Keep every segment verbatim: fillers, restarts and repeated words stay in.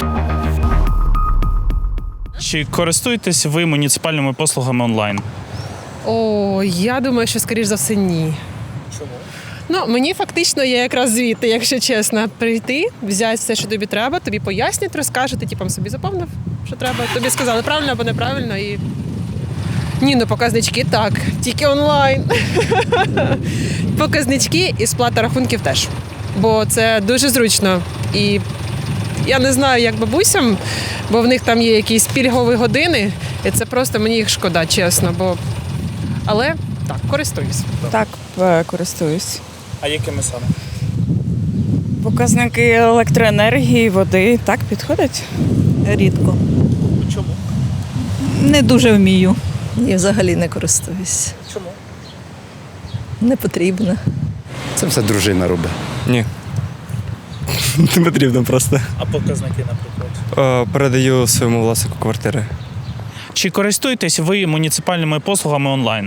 Чи користуєтесь ви муніципальними послугами онлайн? О, я думаю, що, скоріш за все, ні. Чому? Ну, мені фактично є якраз звідти, якщо чесно, прийти, взяти все, що тобі треба, тобі пояснять, розкажуть, ти типом собі заповнив, що треба. Тобі сказали правильно або неправильно і. Ні, ну показнички так, тільки онлайн. Показнички і сплата рахунків теж. Бо це дуже зручно. І я не знаю, як бабусям, бо в них там є якісь пільгові години, і це просто мені їх шкода, чесно. Бо... Але так, користуюсь. Так, е, користуюсь. А якими саме? Показники електроенергії, води так підходять? Рідко. Чому? Не дуже вмію. І взагалі не користуюсь. Чому? Не потрібно. Це все дружина робить. Ні. Не потрібно просто. А показники, наприклад? Е, Передаю своєму власнику квартири. Чи користуєтесь ви муніципальними послугами онлайн?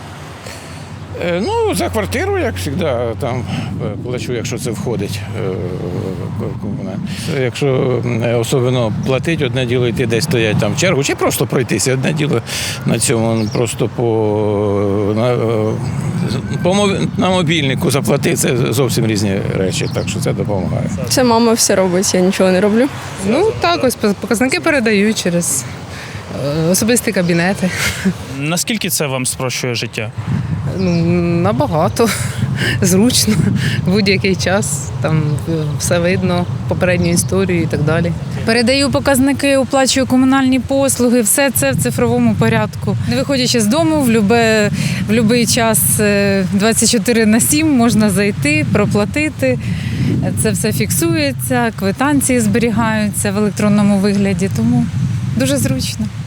Е, Ну, за квартиру, як завжди, там е, плачу, якщо це входить. е, комунальне. Якщо е, особливо платить, одне діло йти десь стоять там в чергу, чи просто пройтися. Одне діло на цьому просто по, на, е, по моб- на мобільнику заплатити, це зовсім різні речі, так що це допомагає. Це мама все робить, я нічого не роблю. Ну так, ось показники передаю через е, особисті кабінети. Наскільки це вам спрощує життя? Ну, набагато. Зручно. В будь-який час. Там все видно, попередню історію і так далі. Передаю показники, оплачую комунальні послуги, все це в цифровому порядку. Не виходячи з дому, в любе, в будь-який час е, двадцять чотири на сім можна зайти, проплатити. Це все фіксується, квитанції зберігаються в електронному вигляді, тому дуже зручно.